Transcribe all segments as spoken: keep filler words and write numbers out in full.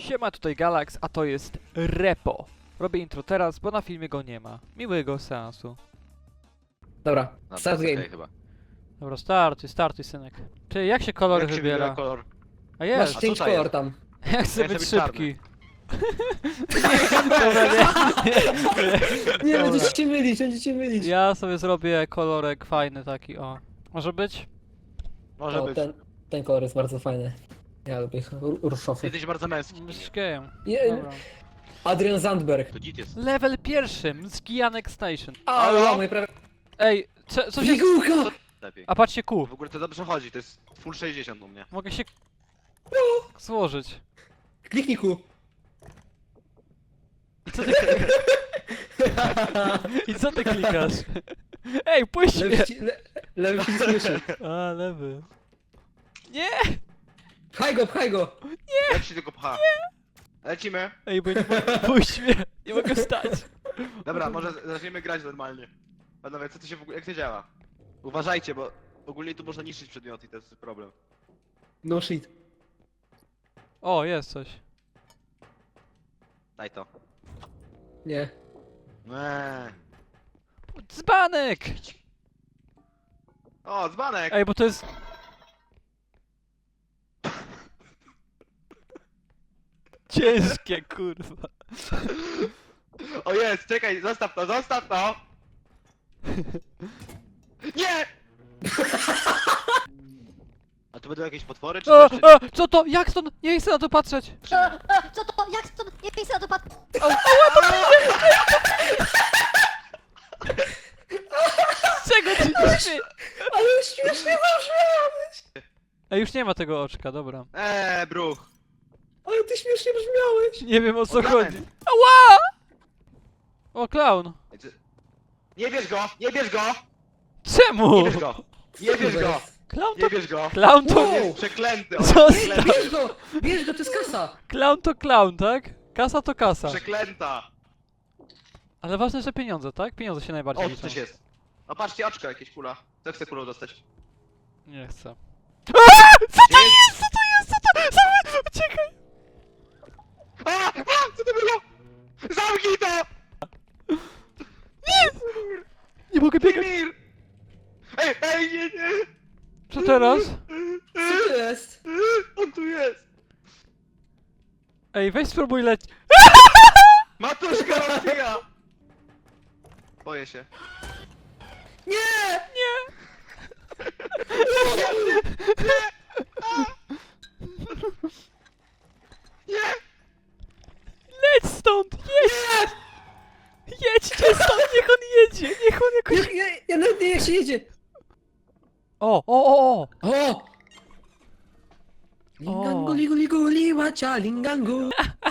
Siema, tutaj Galax, a to jest Repo. Robię intro teraz, bo na filmie go nie ma. Miłego seansu. Dobra, No, start to jest game. okej chyba. Dobra, startuj, startuj, synek. Ty, jak się kolory Jak się wybiera? wybiera kolor? A Masz jest! co change to color jest? tam. Ja chcę Ja być chcę być szybki. Dobra, nie, Nie, Dobra. będziecie się mylić, będziecie mylić. Ja sobie zrobię kolorek fajny taki, o. Może być? Może O, być. ten, ten kolor jest bardzo fajny. Ja lubię ich, ru- Ty ruszowy. jesteś bardzo męski. Jesteś gejem. Je, Dobra. Adrian Zandberg. To dzit jest. Level pierwszy, Mskianek Station. Ale Halo? mój prawie... Ej, co, co się... Figułka! Lepiej. A patrzcie Q. W ogóle to dobrze chodzi, to jest full sześćdziesiąt u mnie. Mogę się... złożyć. Kliknij Q. I co ty... I co ty klikasz? Ej, puść mnie! Lewy, ci- le, lewy przycisk myszy. A, lewy. Nie! Pchaj go, pchaj go! Jak się tylko pcha? Lecimy. Ej, bo nie mogę... Puść mnie! Nie mogę wstać. Dobra, może zaczniemy grać normalnie. Panowie, co to się w ogóle, jak to działa? Uważajcie, bo ogólnie tu można niszczyć przedmioty i to jest problem. No shit. O, jest coś. Daj to. Nie. Eee. Dzbanek! O, dzbanek! Ej, bo to jest... Ciężkie, kurwa. O jest, czekaj, zostaw to, zostaw to! Nie! A tu będą jakieś potwory, czy O, coś? Czy... o, co to? Jak stąd? Nie chcę na to patrzeć. E, e, co to? Jak stąd? Nie chcę na to patrzeć. Z czego ty śmie... Ale śmiesznie zabrzmiałeś! Ej, już nie ma tego oczka, dobra. Eee, bruch! Ale ty śmiesznie brzmiałeś! Nie wiem o co O, chodzi. diament. Ała! O, clown. Ej, ty- Nie bierz go! Nie bierz go! Czemu? Nie bierz go! Nie bierz go! Clown to... Nie bierz go! Clown to... Wow. Jest przeklęty! On Co? jest przeklęty! Bierz go! Bierz go, to jest kasa! Clown to clown, tak? Kasa to kasa. Przeklęta! Ale ważne, że pieniądze, tak? Pieniądze się najbardziej O, tu liczą. coś jest. O, patrzcie, oczko, jakieś kula. Co chce kulą dostać? Nie chcę. Aaa! Co to Gdzie jest? Co to jest? Co to? Zamy... Uciekaj! A! A! Co to było? Zamknij to! Nie mogę biegać. Mimir! Ej, ej, nie, nie! Co teraz? Co to jest? On tu jest! Ej, weź spróbuj leć. Matuszka rozbija! Boję się. Nie! Nie! Nie! Leć stąd! Jedź! Jedźcie stąd! Niech on jedzie! Niech on jakoś... Ja, ja, ja nawet nie wiem jak się jedzie! O, o, o, o! O! Lingangu, ligu, ligu, liwacia, lingangu.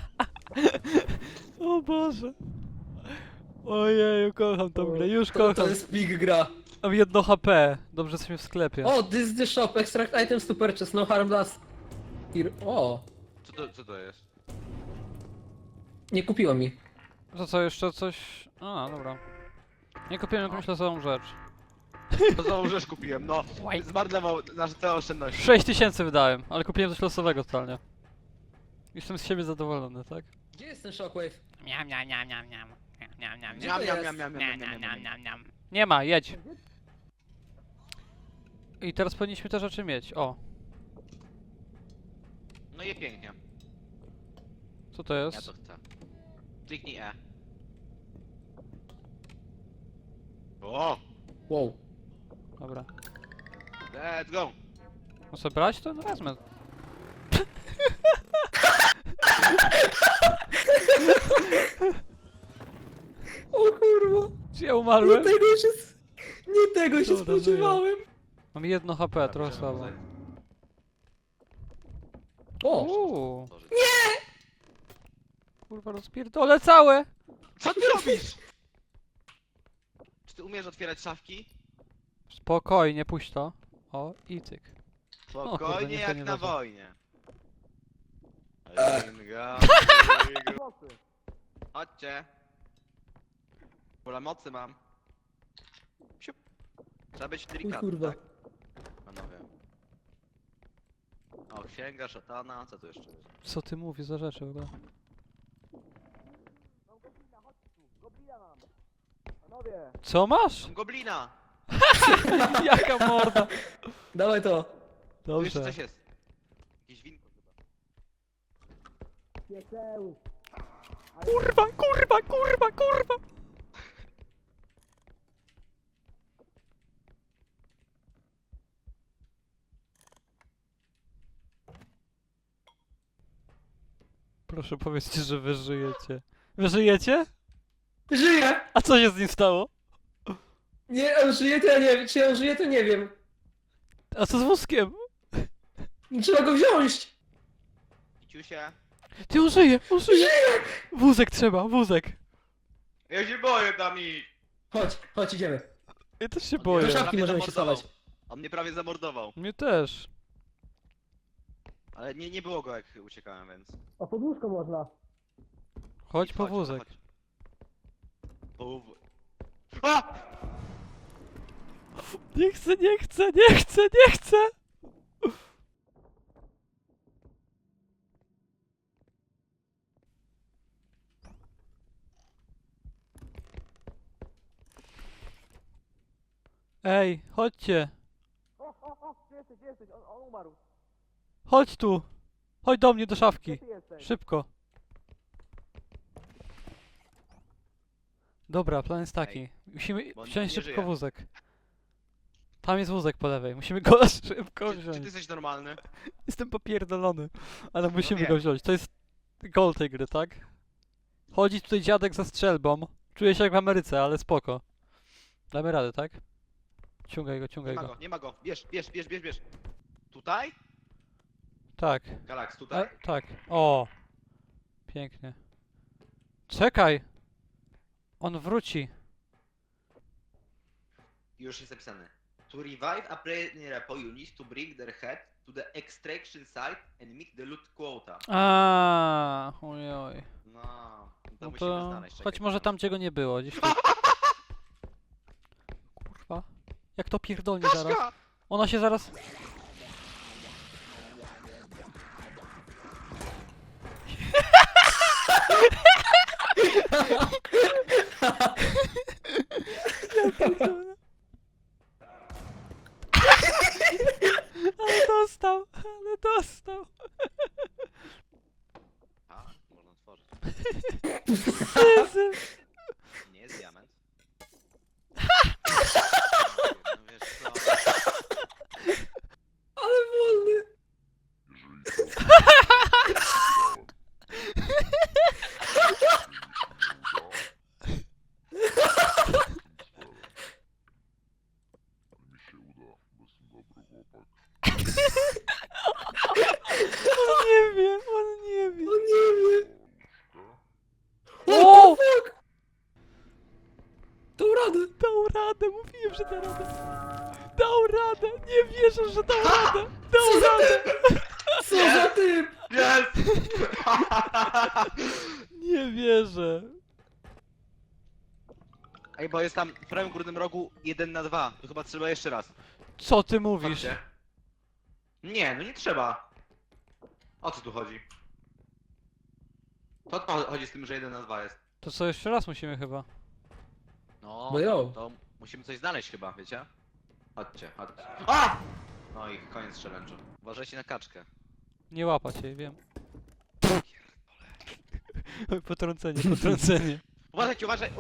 O Boże. Ojeju, kocham tą grę, już To, to kocham. jest big gra. Mam jedno H P. Dobrze, jesteśmy w sklepie. O, this is the shop, extract items to purchase, no harm last. Here. O, Co to, co to jest? nie kupiło mi. To co, jeszcze coś... A, dobra. Nie kupiłem jakąś losową rzecz. To znowu rzecz kupiłem, no. Zmarnował nasze całe oszczędności. sześć tysięcy wydałem, ale kupiłem coś losowego totalnie. Jestem z siebie zadowolony, tak? Gdzie jest ten shockwave? Miam, miam, miam, miam, miam. Miam, miam, Gdzie Miam, to miam, jest? miam, miam, miam, miam, miam, miam, miam, miam. miam, miam. Nie ma, jedź. I teraz powinniśmy te rzeczy mieć. O, No i pięknie. co to Ja jest? to chcę. Kliknij E. O! Wow. Dobra. Let's go! Muszę brać to? No wezmę. O kurwa. Czy ja Nie umarłem? tego się... s- Nie tego się Dobra, spodziewałem. Mam jedno H P, trochę słabo. O! Uuu. Nie! Kurwa, rozpierdolę całe! Co ty robisz? Czy ty umiesz otwierać szafki? Spokojnie, puść to. O, i cyk. kurde, Spokojnie niech to jak nie na zdarza. wojnie. Chodźcie. Pula mocy mam. Siup. Trzeba być O delikatny, kurwa. tak? Panowie. O, księga, szatana, co tu jeszcze jest? Co ty mówisz za rzeczy w ogóle? Co masz? Mam goblina! Jaka morda! Dawaj to. Tu jeszcze Dobrze. coś jest. Jakieś winko chyba. Kurwa, kurwa, kurwa, kurwa! Proszę powiedzcie, że wy żyjecie. Wy żyjecie? Żyje! A co się z nim stało? Nie, on żyje, to ja nie wiem. Czy on żyje, to nie wiem. A co z wózkiem? Trzeba go wziąć! Ciusia. Ty, on żyje, on żyje! Wózek trzeba, wózek! Ja się boję tam i... Chodź, chodź, idziemy. Ja też się On boję. mnie Do szafki prawie możemy się zamordował. schować. On mnie prawie zamordował. Mnie też. Ale nie, nie było go jak uciekałem, więc... A pod łóżko można. Chodź po Chodź, wózek. chodź. Po wó- A! Nie chcę, nie chcę, nie chcę, nie chcę! Ej, chodźcie! Chodź tu! Chodź do mnie, do szafki! Szybko! Dobra, plan jest taki. Musimy bo on wziąć nie szybko żyje. wózek. Tam jest wózek po lewej. Musimy go szybko Czy, czy ty wziąć. jesteś normalny? Jestem popierdolony, ale musimy wiem. go wziąć. To jest goal tej gry, tak? Chodzi tutaj dziadek ze strzelbą. Czuję się jak w Ameryce, ale spoko. Damy radę, tak? Ciągaj go, Nie ciągaj ma go. go, nie ma go. Bierz, bierz, bierz, bierz, bierz. Tutaj? Tak. Galax, A, tutaj. tak. O! Pięknie. Czekaj! On wróci. Już jest napisane. To revive a player repo, you need to bring their head to the extraction site and meet the loot quota. A, ojoj. No, to No musimy to znaleźć. czekaj, choć może czekaj. tam, gdzie go nie było. Gdzieś tu. Kurwa. Jak to pierdolnie zaraz. Kaszka! Ona się zaraz... Ja pierdolę. Ale dostał, ale dostał. A, można otworzyć. Jezu. Nie jest diament. No wiesz co? Ale wolny. On nie wie, on nie wie. On nie wie. O! Fuck! Tą radę. Dał radę, mówiłem, że da radę. Dał radę, nie wierzę, że dał radę. Dał radę. Co za typ? Jest! Nie wierzę. Ej, bo jest tam w prawym górnym rogu jeden na dwa. To chyba trzeba jeszcze raz. Co ty mówisz? Patrzcie. Nie, no nie trzeba. O co tu chodzi? To o co chodzi z tym, że jeden na dwa jest? To co, jeszcze raz musimy chyba. No, No jo. to musimy coś znaleźć chyba, wiecie? Chodźcie, chodźcie. A! No i koniec challenge'u. Uważajcie na kaczkę. Nie łapać jej, wiem. Oj, potrącenie, potrącenie. Uważajcie, uważaj!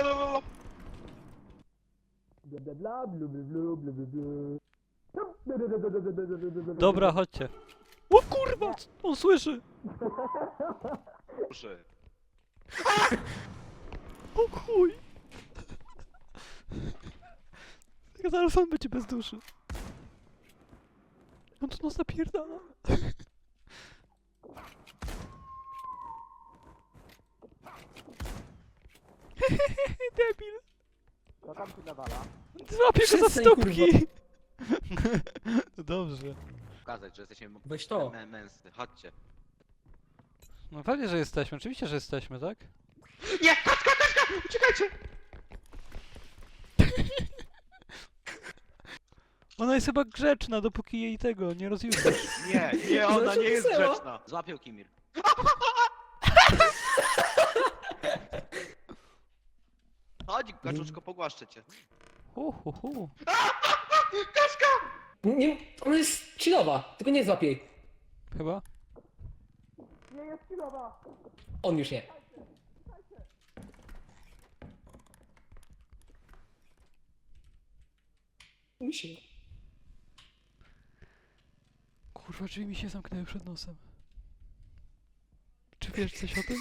Dobra, chodźcie. O kurwa, on słyszy. Proszę. O chuj. Zaraz on będzie bez duszy. On tu nas napierdala. Debil. Co tam się nawala? Złapię go za Przestań, stópki. No dobrze. Pokazać, że jesteśmy Weź to. mę- męscy. Chodźcie. No pewnie, że jesteśmy. Oczywiście, że jesteśmy, tak? Nie! Kaczka, kaczka! Uciekajcie! Ona jest chyba grzeczna, dopóki jej tego nie rozjutrzysz. Nie, nie, ona Znaczy nie jest wesoło. grzeczna. Złapił Kimir. Chodź, kaczuszko, pogłaszczę cię. Hu, hu, hu. Kaszka! Nie, ona jest chillowa, tylko nie złap jej. Chyba? On już nie. Musi. Kurwa, drzwi mi się zamknęły przed nosem. Czy wiesz coś o tym?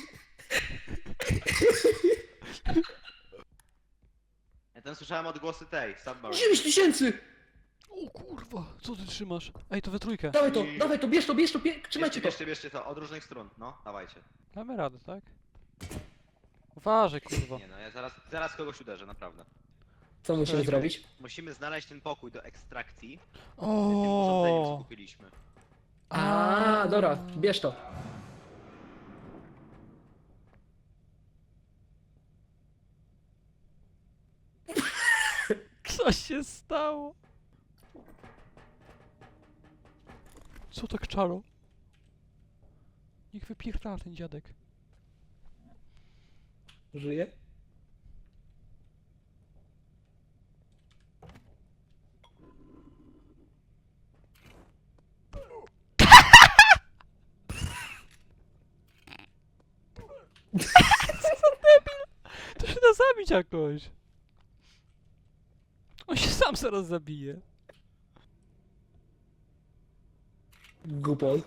Ja tam słyszałem odgłosy tej, Submarine. dziewięć tysięcy! O kurwa, co ty trzymasz? Ej, to we trójkę. Dawaj to, I- dawaj to, bierz to, bierz to, bierz, trzymajcie Bierzcie, to. bierzcie, bierzcie to, od różnych stron, no, dawajcie. Damy radę, tak? Uważaj, kurwa. Nie no, ja zaraz, zaraz kogoś uderzę, naprawdę. Co musimy Ej, zrobić? Musimy znaleźć ten pokój do ekstrakcji w tym urządzeniu, co O. kupiliśmy. A, dobra, bierz to. Co się stało? Co tak czaro? Niech wypierdala ten dziadek. Żyje? To się da zabić jakoś. On się sam zaraz zabije. Gupon.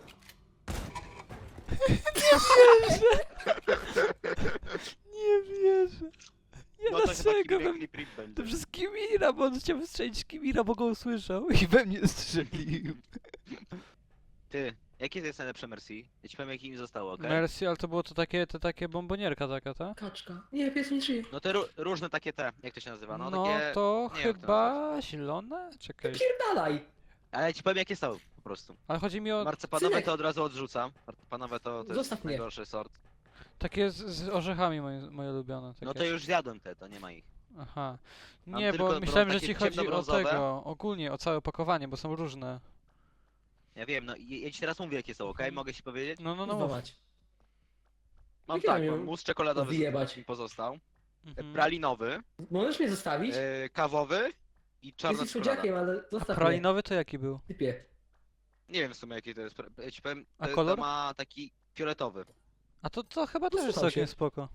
Nie wierzę. Nie No to chyba dlaczego Kimir we Clip Rip To będzie. przez Kimira, bo on chciał strzelić Kimira, bo go usłyszał i we mnie strzelił. Ty, jakie to jest najlepsze Mercy? Ja ci powiem jakie mi zostało, okej? Mercy, ale to było to takie, to takie bombonierka taka, ta? Kaczka. Nie, pies nie żyje. No te ró- różne takie te, jak to się nazywa, no, No takie... to nie wiem, jak to chyba zielone? Czekaj. Pierdalaj! Ale ja ci powiem jakie są, po prostu. Ale chodzi mi o Marcepanowe Synek. to od razu odrzucam. Marcepanowe to, to Zostaw jest mnie. najgorszy sort. takie z, z orzechami moje, moje ulubione. Takie. No to już zjadłem te, to nie ma ich. Aha. Mam Nie, tylko bo brą- myślałem, że takie ci chodzi o ciemnobrązowe. tego, ogólnie o całe opakowanie, bo są różne. Ja wiem, no i ja ci teraz mówię jakie są, okej? Mogę ci powiedzieć? No, no, no. Kurwa mów. mać. Mam jakie tak, mam mam ją mus czekoladowy, wyjebać? mi pozostał. Mhm. Pralinowy, Możesz mnie zostawić? e, kawowy i czarna Jesteś czekolada. słodziakiem, ale A zostaw mnie. pralinowy to jaki był? Typie. Nie wiem w sumie jaki to jest, pra- ja ci powiem, A to, kolor? to ma taki fioletowy. A to, to chyba też jest Posłucham całkiem się. spoko.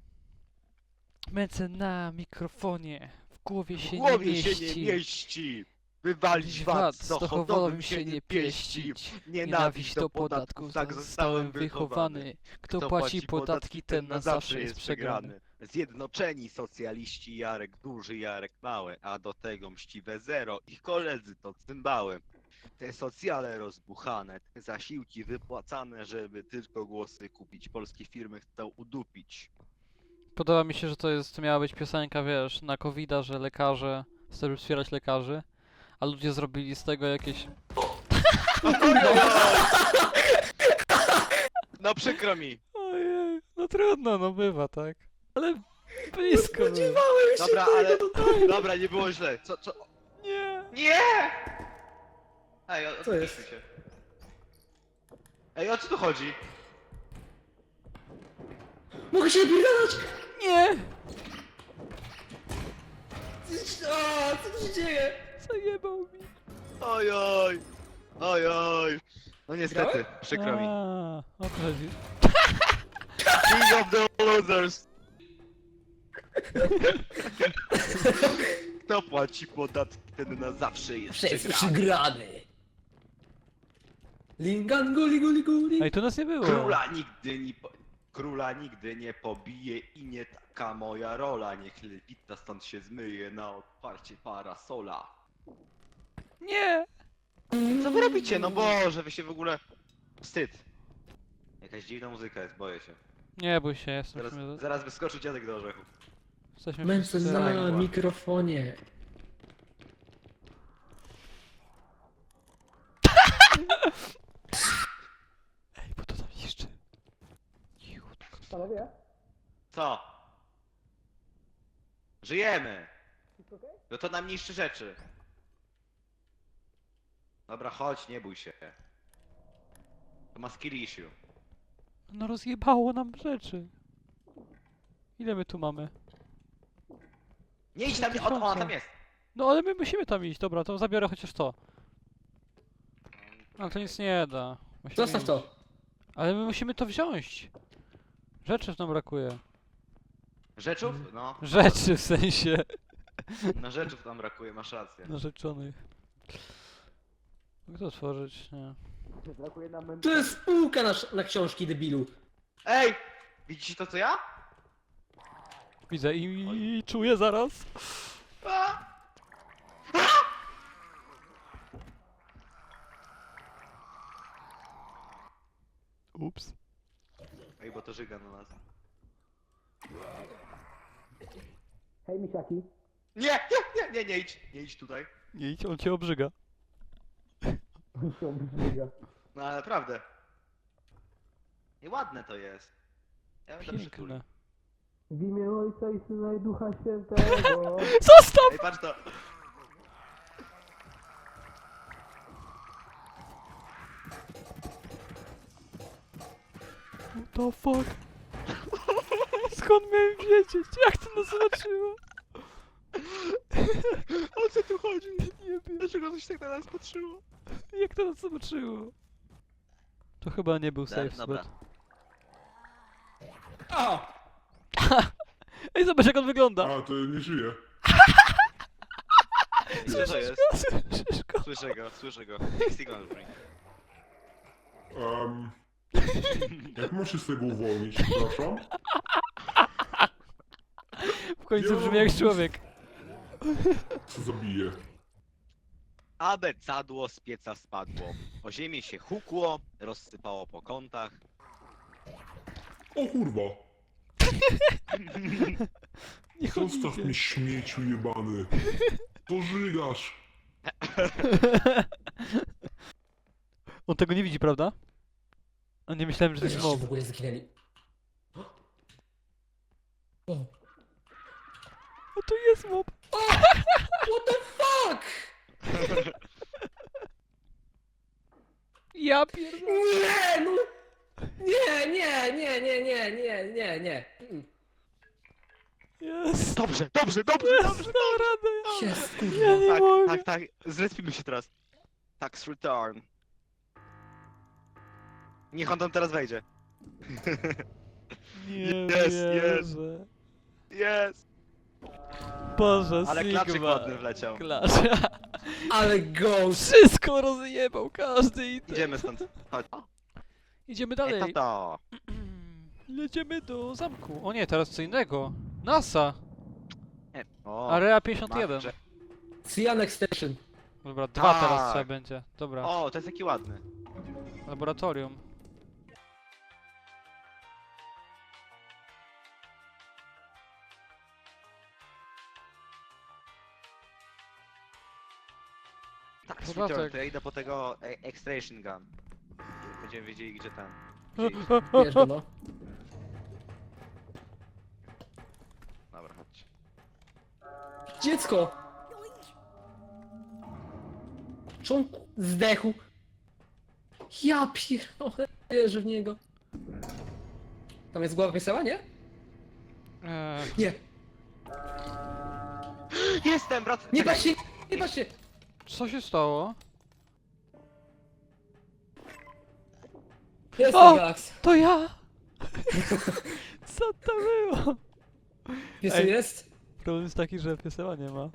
Męce na mikrofonie, w głowie się W głowie nie się mieści. nie mieści! Wywalić VAT, z dochodowym się nie pieści! Nienawiść do podatków, tak zostałem wychowany. Kto płaci podatki, ten na zawsze jest przegrany. Zjednoczeni socjaliści, Jarek duży, Jarek mały, a do tego mściwe zero. Ich koledzy to cymbały. Te socjale rozbuchane, te zasiłki wypłacane, żeby tylko głosy kupić. Polskie firmy chcą udupić. Podoba mi się, że to jest, miała być piosenka, wiesz, na kowida, że lekarze, chcemy wspierać lekarzy, a ludzie zrobili z tego jakieś... No przykro mi. Ojej, no trudno, no bywa, tak? Ale blisko było. Spodziewałem się Dobra, tego ale... totalnie. Dobra, nie było źle. Co, co? Nie! Nie! Ej, o, Co jest? się. Ej, o co tu chodzi? Mogę się napierdalać! Nie! A, co tu się dzieje? Zajebał mi. Oj, oj. Oj, oj. No niestety, Grałem? przykro mi. A, o to chodzi. King of the losers. Kto płaci podatki, ten na zawsze jest Przez przegrany. przegrany. Lingan guli guli guli. Ej, tu nas nie było. Króla nigdy nie po... Króla nigdy nie pobije i nie taka moja rola. Niech lewita stąd się zmyje na otwarcie parasola. Nie! Co wy robicie? No Boże, wy się w ogóle... Wstyd. Jakaś dziwna muzyka jest, boję się. Nie bój się, jestem Zaraz, w sumie... zaraz wyskoczy dziadek do orzechów. Jesteśmy Męce wszyscy na razem. mikrofonie. Ej, bo to tam jeszcze... Cichutko. Panowie? Co? Żyjemy! No to nam niszczy rzeczy. Dobra, chodź, nie bój się. To ma skill issue. No rozjebało nam rzeczy. Ile my tu mamy? Nie idź tam, nie, o, ona tam jest. No ale my musimy tam iść, dobra, to zabiorę chociaż to. Ale to nic nie da. Musimy Zostaw iść. to. Ale my musimy to wziąć. Rzeczy nam brakuje. Rzeczów? No. Rzeczy w sensie. Na rzeczów tam brakuje, masz rację. Narzeczonych. Mogę to otworzyć? Nie. Brakuje nam To jest spółka na, na książki, debilu. Ej! Widzicie to co ja? Widzę i, i czuję zaraz. A! Ups. Ej, bo to żyga na nas. Hej, misiaki. Nie, nie, nie, nie, nie idź, nie idź tutaj. Nie idź, on cię obrzyga. No ale naprawdę. I ładne to jest. Ja będę przytulił. Piękne. W imię Ojca i Syna i Ducha Świętego. Zostaw! Ej, patrz to. What the fuck? Skąd miałem wiedzieć? Jak to nas zobaczyło? O co tu chodzi? Nie wiem. Dlaczego coś tak na nas patrzyło? Jak to nas zobaczyło? To chyba nie był safe Dobra. spot. O! Ej, zobacz jak on wygląda! A, to nie żyje. Co to jest? Słyszysz go? Słyszę go, słyszę go. Signal bring. Um, jak mam się z tego uwolnić, przepraszam? W końcu brzmi jak człowiek. Co zabiję? Abecadło z pieca spadło. O ziemię się hukło, rozsypało po kątach. O kurwa! Nie Zostaw mnie, śmieciu jebany! Pożygasz! On tego nie widzi, prawda? A nie myślałem, że to jest Żeście mob. w ogóle zginęli. O! O, to jest mob! What the fuck? Ja pierdolę. Nie, no! Nie, nie, nie, nie, nie, nie, nie, nie. Mm. Jest! Dobrze, dobrze, dobrze, Jest! dobrze. Dam radę! Jest, Ja kurwa. nie Tak, mogę! tak, tak. Zrespimy się teraz. Tax return. Niech on tam teraz wejdzie. Nie Jest, jest. wierzę. Jest! Boże, Ale klaczyk Sigma. ładny wleciał. Klacz. Ale ghost. Wszystko rozjebał, każdy i Idziemy stąd. Chodź. Idziemy Ej, dalej. tato. Lecimy do zamku. O nie, teraz co innego. NASA. Nie. O, Area pięćdziesiąt jeden. marże. Cyan Extension. Dobra, dwa Tak. teraz trzeba będzie. Dobra. O, to jest taki ładny. Laboratorium. Tax Podatek. return, to ja idę po tego e extraction gun. Będziemy wiedzieli gdzie ten. O, Gdzie iść. o, o, Wiesz go, o. no. Dobra, chodź. Dziecko! Czy on zdechł? Ja pierdolę, wierzę w niego. Tam jest głowa piesała, nie? Eee, Nie, Jestem, brat! nie Czekaj. patrz się, nie patrz się! co się stało? Jestem O! Galax. To ja! Co to było? Piesu Ej. jest? Problem jest taki, że pieseła nie ma.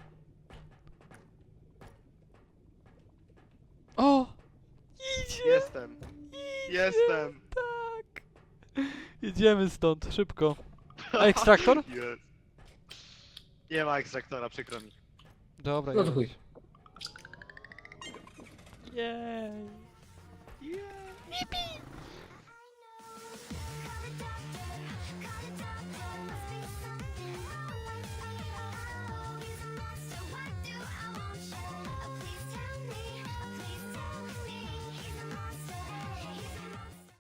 O! Idzie! Jestem. Jestem. Tak! Idziemy stąd, szybko. A ekstraktor? Jest. Nie ma ekstraktora, przykro mi. Dobra, No to już. chuj. Jej! Yeah.